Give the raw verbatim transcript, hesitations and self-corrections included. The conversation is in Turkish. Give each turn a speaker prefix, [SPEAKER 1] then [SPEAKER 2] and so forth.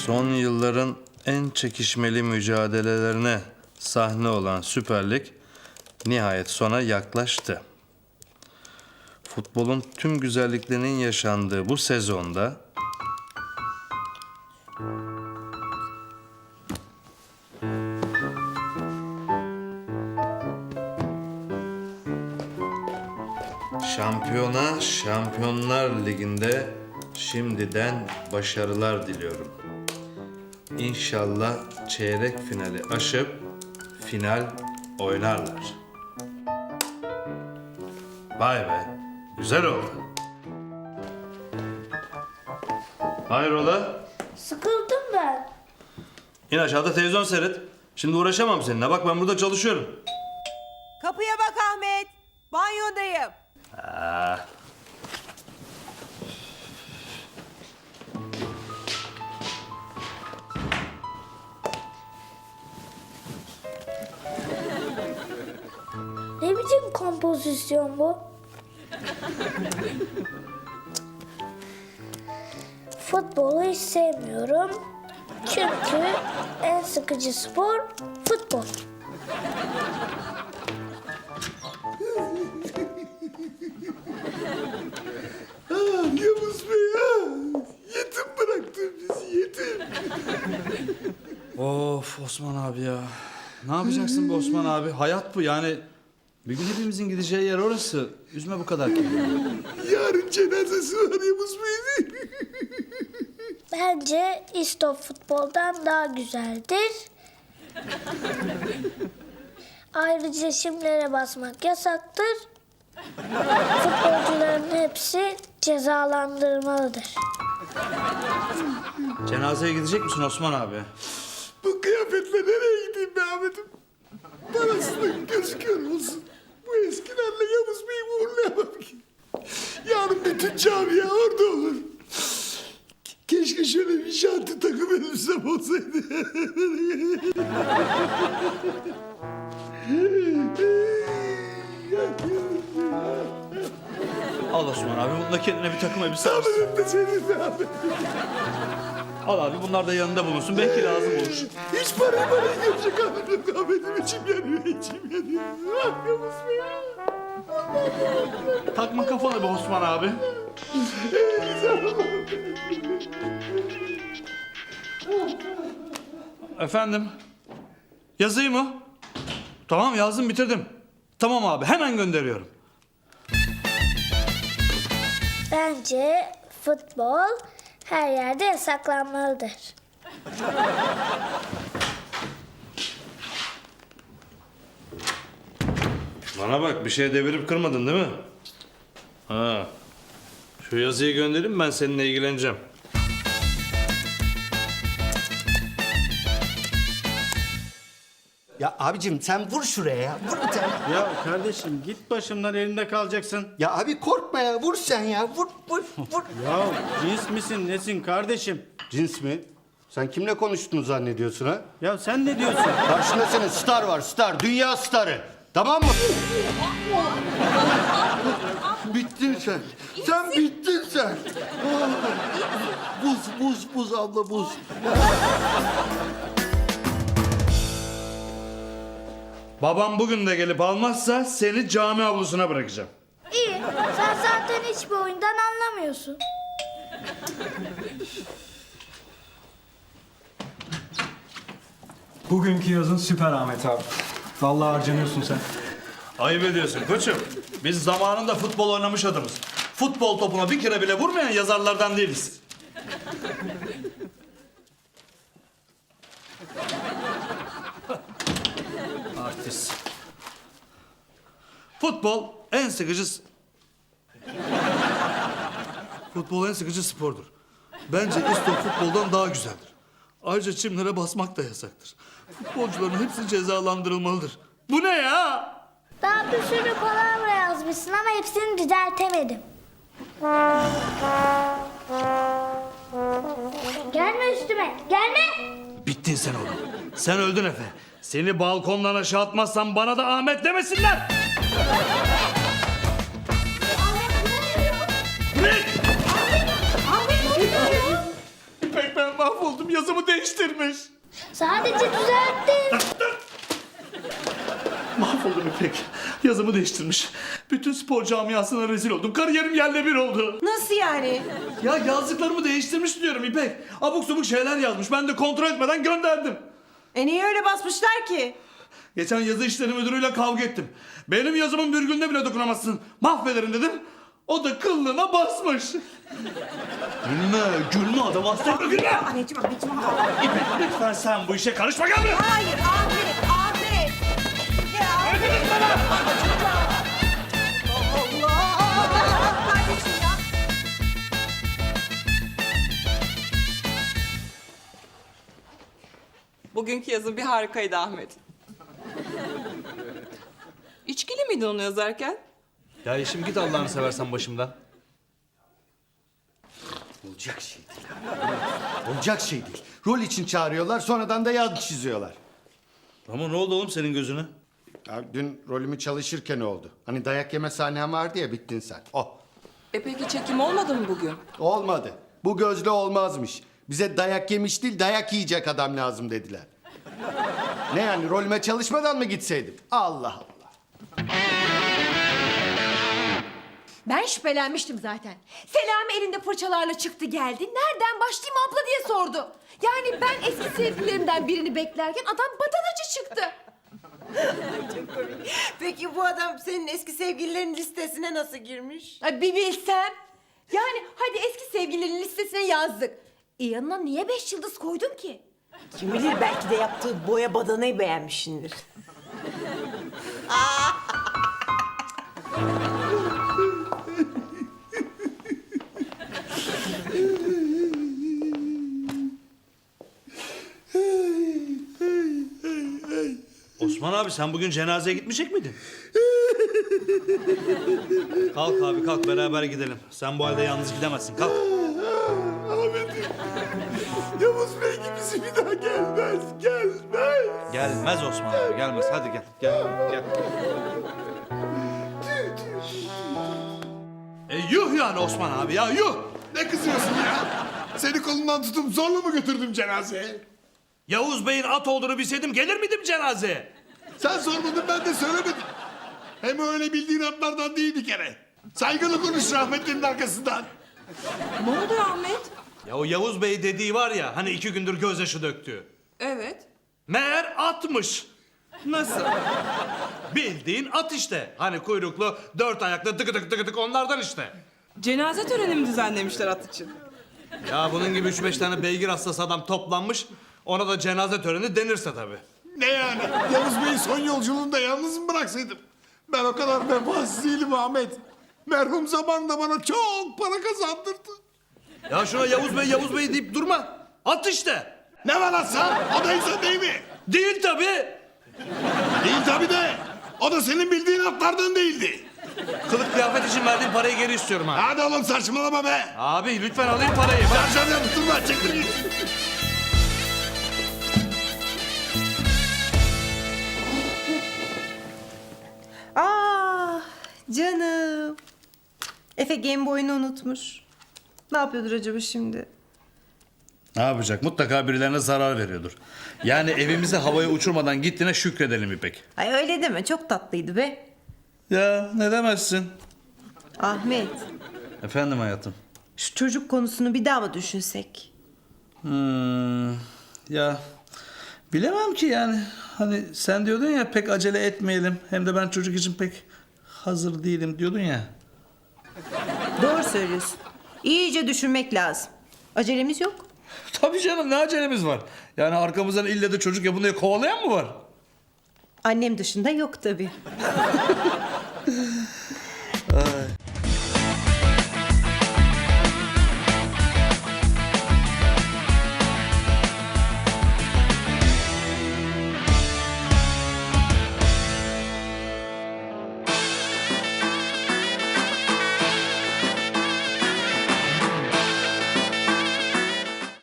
[SPEAKER 1] Son yılların en çekişmeli mücadelelerine sahne olan Süper Lig nihayet sona yaklaştı. Futbolun tüm güzelliklerinin yaşandığı bu sezonda şampiyona Şampiyonlar Ligi'nde şimdiden başarılar diliyorum. İnşallah çeyrek finali aşıp final oynarlar. Vay be, güzel oldu. Hayrola?
[SPEAKER 2] Sıkıldım ben.
[SPEAKER 1] İn aşağıda televizyon seyret. Şimdi uğraşamam seninle. Bak ben burada çalışıyorum.
[SPEAKER 3] Kapıya bak Ahmet. Banyodayım.
[SPEAKER 1] Ha.
[SPEAKER 2] Ne biçim kompozisyon bu? Futbolu hiç sevmiyorum. Çünkü en sıkıcı spor futbol.
[SPEAKER 4] Ah, Yavuz Bey ah! Yetim bıraktın bizi yetim.
[SPEAKER 5] Of Osman abi ya. Ne yapacaksın bu Osman abi? Hayat bu yani. Bir gün hepimizin gideceği yer orası. Üzme bu kadar kendini.
[SPEAKER 4] Yarın cenazesi var Yavuz Bey'in.
[SPEAKER 2] Bence istop futboldan daha güzeldir. Ayrıca şimlere basmak yasaktır. Futbolcuların hepsi cezalandırılmalıdır.
[SPEAKER 5] Cenazeye gidecek misin Osman abi?
[SPEAKER 4] Bu kıyafetle nereye gideyim be Ahmet'im? Parasının gözü kör olsun. Bu eskilerle Yavuz Bey'i uğurlayamam ki. Yarın bütün camia orada olur. Keşke şöyle bir şanti takım elbisem olsaydı.
[SPEAKER 5] Al Osman abi. Bunda kendine bir takım elbise al.
[SPEAKER 4] Ahmet'im de senin be Ahmet.
[SPEAKER 5] Al abi bunlar da yanında bulunsun. Belki lazım olur.
[SPEAKER 4] Hiç parayı parayı görecek halim yok Ahmet'im. İçim yanıyor, içim yanıyor. Ah Yavuz Bey ah.
[SPEAKER 5] Takma kafana be Osman abi. Efendim? Yazayım mı? Tamam yazdım bitirdim. Tamam abi hemen gönderiyorum.
[SPEAKER 2] Bence futbol her yerde yasaklanmalıdır.
[SPEAKER 1] Bana bak bir şey devirip kırmadın değil mi? Ha. Şu yazıyı göndereyim ben seninle ilgileneceğim.
[SPEAKER 6] Ya abicim sen vur şuraya ya. Vur bir tane.
[SPEAKER 7] Ya kardeşim git başımdan elinde kalacaksın.
[SPEAKER 6] Ya abi korkma ya. Vur sen ya. Vur vur vur.
[SPEAKER 7] Ya cins misin nesin kardeşim?
[SPEAKER 6] Cins mi? Sen kimle konuştuğunu zannediyorsun ha?
[SPEAKER 7] Ya sen ne diyorsun?
[SPEAKER 6] Karşında senin star var star. Dünya starı. Tamam mı?
[SPEAKER 4] Bittin sen. Sen bittin sen. Ah, Buz, buz, buz abla buz.
[SPEAKER 1] Babam bugün de gelip almazsa seni cami avlusuna bırakacağım.
[SPEAKER 2] İyi, sen zaten hiçbir oyundan anlamıyorsun.
[SPEAKER 8] Bugünkü yazın süper Ahmet abi. Vallahi harcanıyorsun sen.
[SPEAKER 1] Ayıp ediyorsun koçum. Biz zamanında futbol oynamış adamız. Futbol topuna bir kere bile vurmayan yazarlardan değiliz.
[SPEAKER 5] Artist.
[SPEAKER 1] Futbol en sıkıcı... Futbol en sıkıcı spordur. Bence istop futboldan daha güzeldir. Ayrıca çimlere basmak da yasaktır. Futbolcuların hepsi cezalandırılmalıdır. Bu ne ya?
[SPEAKER 2] Daha bir sürü palavra yazmışsın ama hepsini düzeltemedim. Gelme üstüme, gelme.
[SPEAKER 1] Bittin sen oğlum. Sen öldün Efe. Seni balkondan aşağı atmazsam bana da Ahmet demesinler. Ne?
[SPEAKER 2] Ahmet ne oluyor?
[SPEAKER 1] İpek ben mahvoldum. Yazımı değiştirmiş.
[SPEAKER 2] Sadece düzelttim.
[SPEAKER 1] Mahvoldum İpek. Yazımı değiştirmiş. Bütün spor camiasına rezil oldum. Kariyerim yerle bir oldu.
[SPEAKER 3] Nasıl yani?
[SPEAKER 1] Ya yazdıklarımı değiştirmiş diyorum İpek. Abuk subuk şeyler yazmış. Ben de kontrol etmeden gönderdim.
[SPEAKER 3] E niye öyle basmışlar ki?
[SPEAKER 1] Geçen yazı işleri müdürüyle kavga ettim. Benim yazımın virgülüne bile dokunamazsın. Mahvederim dedim. O da kıllığına basmış. Gülme, gülme adam hasta. Gülme!
[SPEAKER 3] Anneciğim, anneciğim.
[SPEAKER 1] İpek lütfen sen bu işe karışma gel buraya.
[SPEAKER 3] Hayır Ahmet, Ahmet. Ya Ahmet. Allah! Kardeşim ya.
[SPEAKER 9] Bugünkü yazın bir harikaydı Ahmet. İçkili miydin onu yazarken?
[SPEAKER 5] Ya Yeşim git Allah'ını seversen başımdan.
[SPEAKER 6] Olacak şey değil. Olacak şey değil. Rol için çağırıyorlar, sonradan da yaz çiziyorlar.
[SPEAKER 5] Ama ne oldu oğlum senin gözüne?
[SPEAKER 6] Ya dün rolümü çalışırken oldu. Hani dayak yeme sahnem vardı ya, bittin sen. O.
[SPEAKER 9] E peki çekim olmadı mı bugün?
[SPEAKER 6] Olmadı. Bu gözle olmazmış. Bize dayak yemiş değil, dayak yiyecek adam lazım dediler. Ne yani, rolüme çalışmadan mı gitseydim? Allah Allah.
[SPEAKER 3] Ben şüphelenmiştim zaten. Selami elinde fırçalarla çıktı geldi. Nereden başlayayım abla diye sordu. Yani ben eski sevgililerimden birini beklerken adam badanacı çıktı.
[SPEAKER 10] Çok komik. Peki bu adam senin eski sevgililerin listesine nasıl girmiş?
[SPEAKER 3] Ay bir bilsem. Yani hadi eski sevgililerin listesine yazdık. E yanına niye beş yıldız koydum ki?
[SPEAKER 10] Kim bilir, belki de yaptığı boya badanayı beğenmişsindir.
[SPEAKER 5] Osman abi sen bugün cenazeye gitmeyecek miydin? Kalk abi kalk beraber gidelim. Sen bu halde yalnız gidemezsin kalk.
[SPEAKER 4] Ahmet'im. Yavuz Bey gibisi bir daha gelmez, gelmez.
[SPEAKER 5] Gelmez Osman abi gelmez hadi gel gel gel.
[SPEAKER 1] E yuh yani Osman abi ya yuh.
[SPEAKER 4] Ne kızıyorsun ya? Seni kolundan tutup zorla mı götürdüm cenazeye?
[SPEAKER 1] Yavuz Bey'in at olduğunu bilseydim gelir miydim cenazeye?
[SPEAKER 4] Sen sormadın, ben de söylemedim. Hem öyle bildiğin atlardan değil bir kere. Saygılı konuş rahmetlinin arkasından.
[SPEAKER 9] Ne oluyor Ahmet?
[SPEAKER 1] Ya o Yavuz Bey dediği var ya hani iki gündür gözyaşı döktü.
[SPEAKER 9] Evet.
[SPEAKER 1] Meğer atmış.
[SPEAKER 9] Nasıl?
[SPEAKER 1] Bildiğin at işte. Hani kuyruklu, dört ayaklı, tıkı tıkı tıkı tıkı onlardan işte.
[SPEAKER 9] Cenaze töreni mi düzenlemişler at için?
[SPEAKER 1] Ya bunun gibi üç beş tane beygir hastası adam toplanmış. Ona da cenaze töreni denirse tabii.
[SPEAKER 4] Ne yani? Yavuz Bey'i son yolculuğunda yalnız mı bıraksaydım? Ben o kadar vefasız değilim Ahmet. Merhum zamanında bana çok para kazandırdı.
[SPEAKER 1] Ya şuna Yavuz Bey, Yavuz Bey deyip durma. At işte.
[SPEAKER 4] Ne var atsan? O da insan değil mi?
[SPEAKER 1] Değil tabii.
[SPEAKER 4] Değil tabii de. O da senin bildiğin atlardan değildi.
[SPEAKER 1] Kılık kıyafet için verdiğim parayı geri istiyorum ha.
[SPEAKER 4] Hadi oğlum saçmalama be.
[SPEAKER 1] Abi lütfen alayım parayı. Bak.
[SPEAKER 4] Şarjör yaptırma, çektir git.
[SPEAKER 10] Ah canım. Efe Game Boy'unu unutmuş. Ne yapıyordur acaba şimdi?
[SPEAKER 5] Ne yapacak? Mutlaka birilerine zarar veriyordur. Yani evimizi havaya uçurmadan gittiğine şükredelim İpek.
[SPEAKER 10] Ay öyle deme, çok tatlıydı be.
[SPEAKER 5] Ya ne demezsin?
[SPEAKER 10] Ahmet,
[SPEAKER 5] Efendim hayatım.
[SPEAKER 10] şu çocuk konusunu bir daha mı düşünsek?
[SPEAKER 5] Hmm, ya bilemem ki yani. Hani sen diyordun ya pek acele etmeyelim. Hem de ben çocuk için pek hazır değilim diyordun ya.
[SPEAKER 10] Doğru söylüyorsun. İyice düşünmek lazım. Acelemiz yok.
[SPEAKER 5] Tabii canım ne acelemiz var. Yani arkamızdan ille de çocuk yapın diye kovalayan mı var?
[SPEAKER 10] Annem dışında yok tabii.